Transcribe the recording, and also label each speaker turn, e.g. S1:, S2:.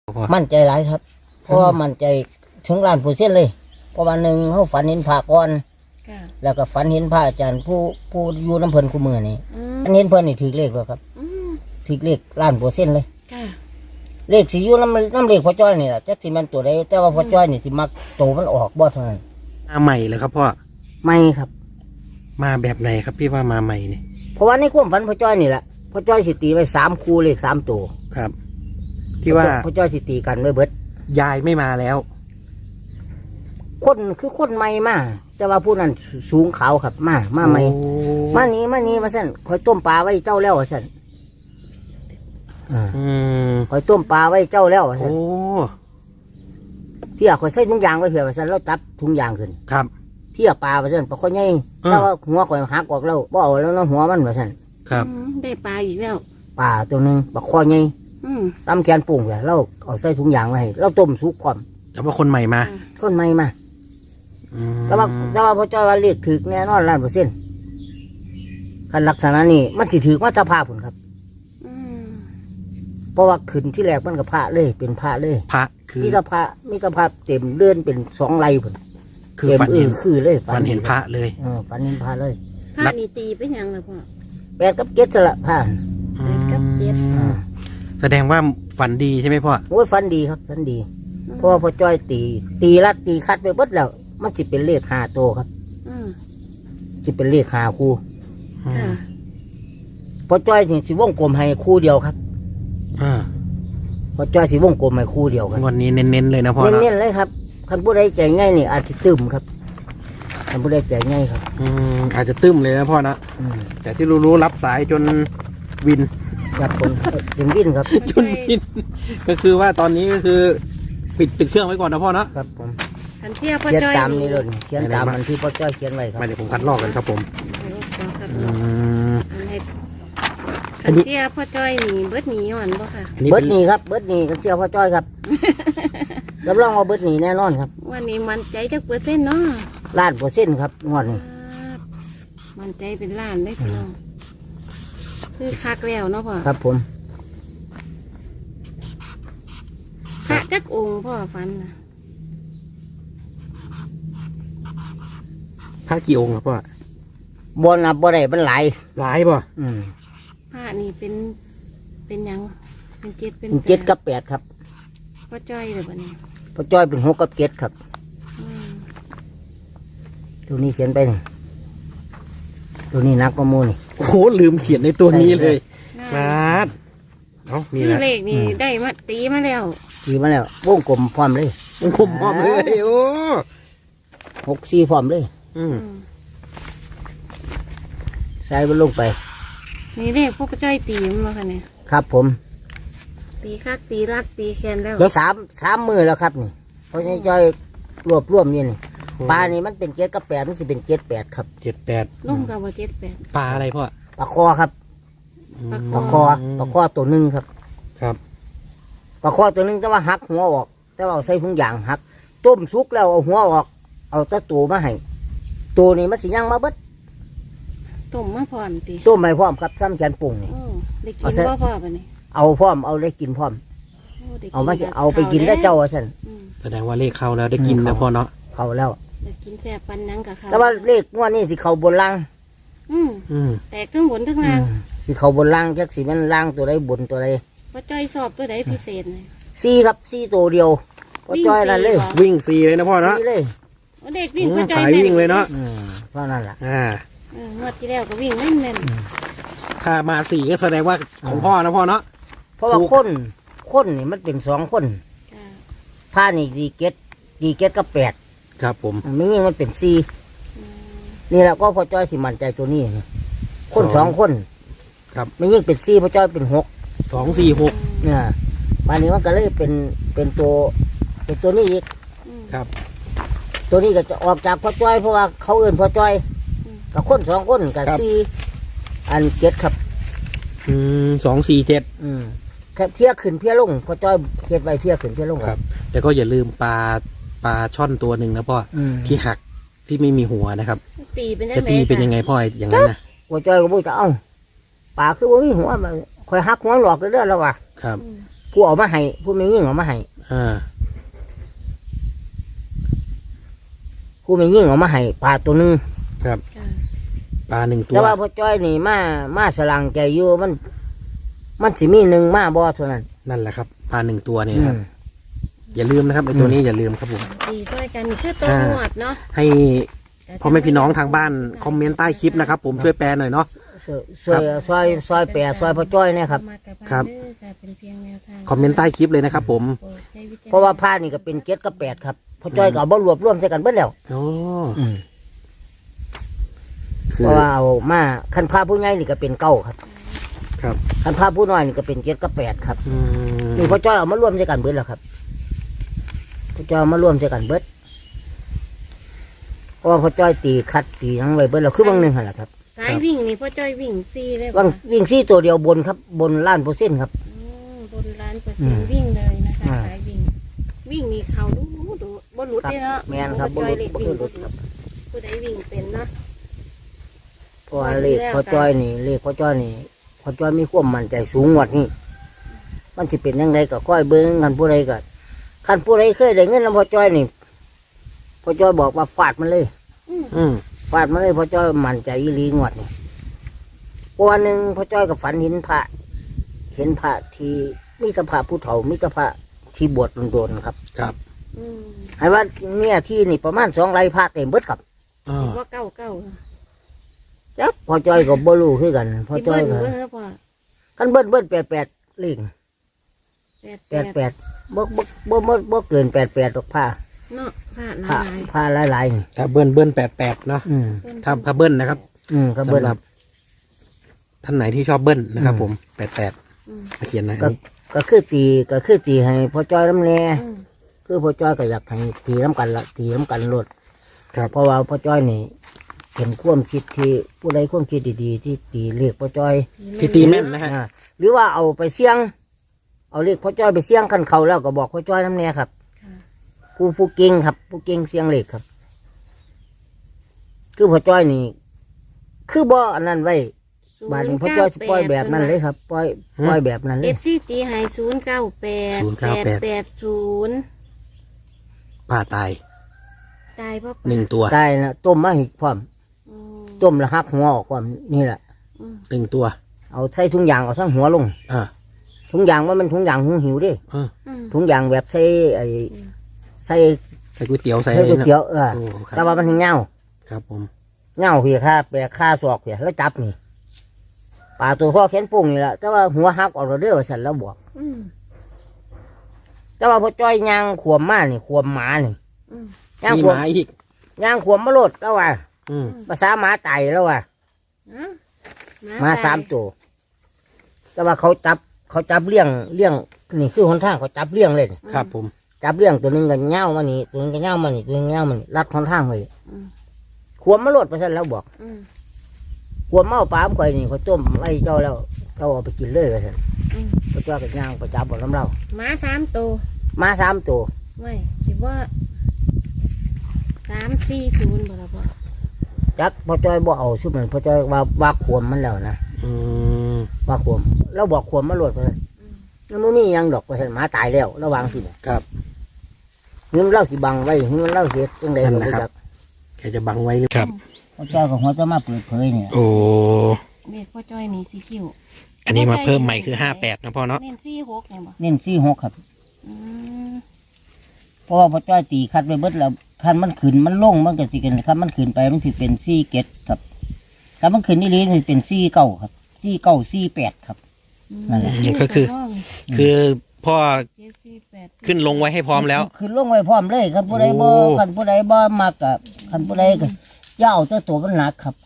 S1: มั่นใจหลายครับเพราะว่ามั่นใจถึง1,000,000%เลยเพราะว่าหนึ่งเขาฝันเห็นพระก่อนแล้วก็ฝันเห็นพระอาจารย์ผู้อยู่น้ำเพลินคู่มือนี่อันเห็นเพลินนี่ถือเลขแล้วครับถือเลข1,000,000%เลยเลขสิอยู่น้ำเลขพ่อจ้อยนี่แหละจักสิมันตัวใดแต่ว่าพ่อจ้อยนี่สิมักโตมันออกบ่เท่านั้น
S2: มาใหม่เลยครับพ่อ
S1: ไม่ครับ
S2: มาแบบไหนครับพี่ว่ามาใหม่นี่
S1: เพราะว่าในความฝันพ่อจ้อยนี่แหละพ่อจ้อยสิตีไว้3 คู่เลข3 ตัว
S2: ครับที่ว่า
S1: พ่อจ้อยสิตีกันไว้เบิด
S2: ยายไม่มาแล้ว
S1: คนคือคนใหม่มาแต่ว่าผู้นั้นสูงขาวครับมาใหม่มานี้มาสั่นคอยต้มปลาไว้เจ้าแล้วสั่นคอยต้มปลาไว้เจ้าแล้วสั่นพี่อยากคอยใส่ถุงยางไว้เผื่อสั่นแล้วตัดถุงยางขึ้น
S2: ครับ
S1: พี่อยากปลาสั่นปลาคอยใหญ่แต่ว่าหัวคอยหักออกแล้วบ่เอาแล้วหัวมันสั่น
S2: ครับ
S3: ได้ปลาอีกแล้ว
S1: ปลาตัวนึงปลาคอใหญ่ซ้ำแขนปุ่งเลยเราเอาใส่ถุงยางไว้ให้เราต้มสุกความ
S2: แต่ว่าคนใหม่มา
S1: คนใหม่มาแต่ว่าพ่อจ้อยว่าเรียกถือแน่นอน1,000,000%คันลักษณะนี้มันสิถือมาตาภาพผลครับเพราะว่าขึ้นที่แรกมันกับพระเลยเป็นพระเลย
S2: พระคือ
S1: มีกระพระเต็มเลื่อนเป็น2 ไร่ผล
S2: คือฝันเห็น
S1: คือเลย
S2: ฝันเห็นพระเลย
S1: ฝันเห็นพระเลย
S3: พระนี่ตีเป็นยังเลยพ่อ
S1: 8 กับ 7สละพระ
S3: 8 กับ 7
S2: แสดงว่าฝันดีใช่ไหมพ่อ
S1: โอ้ยฝันดีครับฝันดีเพราะว่าพ่อจ้อยตีรัดตีคัดไปเบิดแล้วมันสิเป็นเลข5 ตัวครับสิเป็นเลข5 คู่พ่อจ้อยนี่สิวงกลมให้คู่เดียวครับพ่อจ้อยสิวงกลมให้คู่เดียวครับ
S2: วันนี้เน้นๆเลยนะพ่อ
S1: เน้นๆเลยครับคันผู้ใดใจง่ายนี่อาจจะตึมครับคันผู้ใดใจง่ายครับ
S2: อาจจะตึมเลยนะพ่อนะแต่ที่รู้รับสายจนวิน
S1: ครับผมจนวินครับ
S2: จนวินก็คือว่าตอนนี้ก็คือปิดเครื่องไว้ก่อนนะพ่อนะครับ
S1: ผม
S3: เขียน
S1: ตามนี้เลยเขียนตามมันที่พ่อจ้อยเขียนไว้ครับ
S2: มาเดี๋ยวผมคัดลอกกันครับผม
S3: ขันเจียพ่อจ้อยหนีเบิดหนีย้อนบ่ค่ะ
S1: เบิดหนีครับเบิดหนีขันเจียพ่อจ้อยครับรับรองว่าเบิดหนีแน่นอนครับ
S3: วันนี้มันใจจัก%เนาะ
S1: 1,000,000%ครับงวดนี้
S3: มันใจเป็นล้านได้พี่น้องคือคักแล้วเนาะพ่อ
S1: ครับผม
S3: พระจักองค์พ่อฟันนะ
S2: พระกี่องค์ครับพ่อ
S1: บ่นับบ่ได้มันหลาย
S2: ป่ะ
S3: พระนี่เป็นยังเป็น
S1: 7 กับ 8ครับ
S3: พ่อจ้อยเลยบ่เนี่ย
S1: พ่อจ้อยเป็น6 กับ 7ครับตัวนี้เขียนไปตัวนี้นักประมูลนี่
S2: โอ้โหลืมเขียนในตัวนี้เลยครับ
S3: นี่เลขนี่ได้มาตีมาแล้ว
S1: วงกลมพร้อมเลยว
S2: งกลมพร้อมเลยโอ้
S1: 64พร้อมเลยใส่มันลงไป
S3: นี่เลขพวกจ้อยตีมันมาค่ะเนี่ย
S1: ครับผม
S3: ตีคักตีรัดตีแขน
S1: แล้ว3 มือแล้วครับนี่เพราะจ้อยรวมนี่นี่ปลานี่มันเป็น7 กับ 8มันจะเป็น7 8ครับ
S2: 7 8
S3: ลุ่มกับว่า
S2: ปลาอะไรพ่อ
S1: ปลาคอครับปลาคอตัวนึงครับปลาคอตัวนึงแต่ว่าหักหัวออกแต่ว่าใส่ถุงยางหักต้มสุกแล้วเอาหัวออกเอาตะตูมาให้ตัวนี้มันสิย่างมาเบิด
S3: ต้มมาพร้อมตี
S1: ต้มไม่พร้อมครับซ้ำแขนปุ่งนี่
S3: ได้กินพ่อปะนี่
S1: เอาพร้อมเอาได้กินพร้อมเอามาเอาไปกินได้เจ้าสัน
S2: แสดงว่าเลขเข้าแล้วได้กินนะพ่อเนาะ
S1: เข้าแล้ว
S3: ได้กินแซ่บปันนังกับเขา
S1: แต่ว่าเลขงวดนี้สิเข้าบนล่าง
S3: แตกทั้งบนทั้งล่าง
S1: สิเข้าบนล่างจักสิมันล่างตัวใดบนตัวใด
S3: พ่อจ้อยสอบตัวใดพิเศษเลย
S1: 4ครับ4ตัวเดียวพ่อจ้อยนั่นเลย
S2: วิ่ง4เลยนะพ่อเนาะ
S1: เลย
S3: เด็กวิ่งพ่อจ้อย
S2: วิ่งเลยเนาะ
S1: เพราะนั่นแหละ
S3: งวดที่แล้วก็วิ่งเล่น
S2: ถ้ามา4ก็แสดงว่าของพ่อนะพ่อเนาะ
S1: เพราะว่าคนนี่มันเป็น2 คนผ้านี่ดีเก็ตกับ8
S2: ครับผม
S1: ไม่ยิ่งมันเป็น4นี่แหละก็พ่อจ้อยสิมั่นใจตัวนี้คน2 คน
S2: ครับ
S1: ไม่ยิ่งเป็น4พ่อจ้อยเป็น6
S2: 2 4 6
S1: เนี่ยป่านนี้มันก็เลยเป็นตัวนี้อีก
S2: ครับ
S1: ตัวนี้ก็จะออกจากพ่อจ้อยเพราะว่าเขาเอื่นพ่อจ้อยกับคน2 คนกับ4 อัน7ครับ
S2: 2 4 7
S1: แค่เพี้ยขึ้นเพี้ยลงพ่อจ้อยเพี้ยไปเพี้ยขึ้นเพี้ยลง
S2: ครับแต่ก็อย่าลืมปลาช่อนตัวหนึ่งนะพ่อที่หักที่ไม่มีหัวนะครับ
S3: ตีเป็น
S2: ยังไงพ่ออย่างนั้นนะ
S1: พ่อจ้อยก็บอกจะเอาปลาคือว่ามีหัวมันคอยหักหัวหลอกเรื่อยๆแล้วว่ะ
S2: ครับ
S1: ผู้เอามาให้ผู้ไม่ยิ่งเอามาให้
S2: อ่า
S1: ผู้ไม่ยิ่งเอามาให้ปลาตัวหนึง
S2: ครับ
S3: ค่ะ
S2: ปลาหนึ่งตัว
S1: แต่ว่าพ่อจ้อยนี่มาสลังใจอยู่มันสิมีหนึ่งมาบ่เท่านั้น
S2: นั่นแหละครับปลาหนึ่งตัวเนี่ยครับอย่าลืมนะครับไอ้ตัวนี้อย่าลืมครับผม
S3: ตีด้วยกันนี่คือตัวหนวดเนาะ
S2: ให้พ่อแม่พี่น้องทางบ้านคอมเมนต์ใต้คลิปนะครับผมช่วยแปลหน่อยเนาะ
S1: ซอยแปะซอยพ่อจ้อยเนี่ยครับ
S2: ครับ
S3: เป็นเพียงแนวทาง
S2: คอมเมนต์ใต้คลิปเลยนะครับผม
S3: โปรดใช้วิจารณญณ
S1: เพราะว่าผ้านี่ก็เป็นเจ็ดกับแปดครับพ่อจ้อยก็เอาบ่รวบรวมใส่กันเบิดแล้ว
S2: โอ้
S1: เพราะว่าเอามาคันผ้าผู้ใหญ่นี่ก็เป็นเก้าครับ
S2: ครับ
S1: คันผ้าผู้น้อยนี่ก็เป็นเจ็ดกับแปดครับ
S2: อืม
S1: นี่พ่อจ้อยเอามารวมใส่กันเบิดแล้วครับพ่อจ้อยเอามารวมใส่กันเบิดเพราะว่าพ่อจ้อยตีคัดตีทั้งไว้เบิดแล้วคือบางหนึ่งหั่นแหละครับ
S3: สายวิ่งนี่พ่อจ้อยวิ่งซี่เลย
S1: บางวิ่งซี่ตัวเดียวบนครับบนล้านเปอร์เซ็นต์ครับ
S3: บนล้านเปอร์เซ็นต์วิ่งเลยนะคะ
S1: อ่า
S3: สายวิ่ง วิ่งนี่เขาดูบนหลุดเลยเนาะ
S1: แมนครับ
S3: พ่อจ้อยเล็กวิ่ง
S1: รถครับ
S3: ผู้ใดวิ่งเป็นเนาะ
S1: เพราะว่าเลขพ่อจ้อยนี่เลขพ่อจ้อยนี่พ่อจ้อยมีความมั่นใจสูงกว่านี่มันจะเป็นยังไงก็ค่อยเบิ้งกันผู้ใดก็คันผู้ใดเคยได้เงินแล้วพ่อจ้อยนี่พ่อจ้อยบอกว่าฟาดมันเลย
S2: อืม
S1: ฟาดมันเลยพ่อจ้อยมั่นใจอีหลีงวดนี่เพราะวันหนึ่งพ่อจ้อยกับฝันเห็นพระที่มีกระพระผู้เฒ่ามีกระพระที่บวชโดนๆครับ
S2: ครับ
S3: อืม
S1: ให้ว่าเนี่ยที่นี่ประมาณ2 ไร่พระเต็มเบิดครับ
S2: อ่า
S3: ว่าเก้า
S1: จักพ่อจ้อยก็บ่รู้คือกันพ่อ
S3: ที่
S1: จ้อ
S3: เบิ้
S1: ย
S3: ล
S1: ก็
S3: เบิ้ลพ่อ
S1: กันเบิ้ล88เลข
S3: แปด
S1: 88บ่เกิน88ดอกผ้า
S3: เนาะผ่าน
S1: ผ้า
S3: ลาย
S1: ผ้าหลายๆนี่
S2: ถ้าเบิ้ล88เนาะ
S1: อืม
S2: ถ้าเบิ้ลนะครับ
S1: ก็เบิ้ล
S2: สำหรับท่านไหนที่ชอบเบิ้ลนะครับผม88
S3: อืม
S2: มาเขียนหน่อย
S1: ก็คือตีให้พ่อจ้อยน้ำแน่
S3: อืม
S1: คือพ่อจ้อยก็อยากให้ตีน้ำกันละตีน้ำกันโลด
S2: ครับ
S1: เพราะว่าพ่อจ้อยนี่เป็นความคิดที่ผู้ใดความคิดดีๆที่ตีเลขพ่อจ้อย
S2: ที่ตีแม่นนะฮะ
S1: อ่าหรือว่าเอาไปเสี่ยง เอาเลขพ่อจ้อยไปเสี่ยงคันเขาแล้วก็บอกพ่อจ้อยน้ำแน่ครับ
S3: ค่ะ
S1: ผู้เก่งครับ ผู้เก่งเสี่ยงเลขครับ คือพ่อจ้อยนี่ คือบ่อันนั้นไว้บาดนี้พ่อจ้อยสิปล่อยแบบนั้นเลยครับปล่อยแบบนั้นเล
S3: เอย ฟซีตีให้098
S2: ป้าตาย
S3: ตายเพราะ
S2: หนึ่งตัว
S1: ใช่นะต้มมาให้พร้อม
S3: อืม
S1: ต้มแล้วหักหัวออกความนี่แหละ
S3: อืม
S2: หนึ่งตัว
S1: เอาใส่ถุงยางเอาทั้งหัวลง
S2: อ่า
S1: ถุงยางว่ามันถุงยางหุงหิวเดิ
S2: อ่า
S3: อืม
S1: ถุงยางแบบใส่ใส่
S2: ใส่ก๋วยเตี๋ยวใส่
S1: ใส่ก๋วยเตี๋ยว
S2: โอ้ครับ
S1: แต่ว่ามันเงา
S2: ครับผม
S1: เงาเหี่ยค่าแปะค่าศอกเหี่ยแล้วจับนี่ปลาตัวพ่อแขนปุ่งนี่แหละแต่ว่าหัวหักออกเราเด้อฉันแล้วบอก
S3: อืม
S1: แต่ว่าพอจ้อยยางขวมมานี่ขวมหมานี่
S3: อืม
S1: ยาง
S2: มี
S1: ขวม
S2: ไม้อีก
S1: ยางขวมมาโลดแล้วว่า
S2: อืม
S1: ภาษาหมาไตแล้วว่า
S3: อ่ะ
S1: หมา3 ตัวแต่ว่าเขาจับเลี้ยงนี่คือหนทางเขาจับเลี้ยงเลยนี่
S2: ครับผม
S1: จับเลี้ยงตัวหนึงก็เง่ามานี่ตัวหนึงก็เง่ามานี่ตัวหนึงก็เง่ามานี่รัดหนทางไว้
S3: อืม
S1: ขวมมาโลดไปซะแล้วบอก
S3: อืม
S1: ขวมเมาปลาข่อยนี่เขาต้มไว้เจ้าแล้วเจ้าเอาไปกินเลยไปซะ
S3: อืม
S1: พระเจ้าก็ย่างประจับบ่น้ำเรา
S3: หมา3 ตัว
S1: มา3 ตัว
S3: ไม่คิดว่า340บ่ล่ะพ่อ
S1: จักพ่อจ้อยบ่เอาชุดนั้นพ่อจ้อยว่าขวมมันแล้วนะ
S2: อืม
S1: ว่าขวมเราบอกขวมมาโลดไปซะ
S3: อืม
S1: แล้วมันมีหยังดอกไปซะหมาตายแล้วระวังสิเนี่ย
S2: ครับ
S1: นี่มันเล่าสิบังไว้นี่มันเล่าเสียจังได๋
S2: นั่
S1: ก็
S2: น
S1: บ่
S2: นะครับ
S1: จัก
S2: แกจะบังไว้หรือครับ
S1: พ่อจ้อยก็หัวจะมาเปิดเผยเนี่ย
S2: โอ้
S3: เด็กพ่อจ้อยนี่สีคิ้ว
S2: อันนี้มาเพิ่มใหม่คือ58นะพ่อเนาะ
S3: เน้น46เนี่ยบ่
S1: เน้น46ครับ
S3: อืม
S1: เพราะว่าพ่อจ้อยตีคัดไปเบิดแล้วคันมันขึ้นมันลงมันก็สิกันครับมันขึ้นไปมันสิเป็น47ครับถ้ามันขึ้นนี่ลีมันสิเป็น49ครับ49 48ครับ นั่นแหละ
S2: ก็คือ คือพ่อ
S3: 748
S2: ขึ้นลงไว้ให้พร้อมแล้ว
S1: ขึ้นลงไว้พร้อมเลยคันผู้ใดบ่
S2: โอ้
S1: คันผู้ใดบ่มักกับคันผู้ใดก็อย่าเอาแต่ตัวมันหนักครับ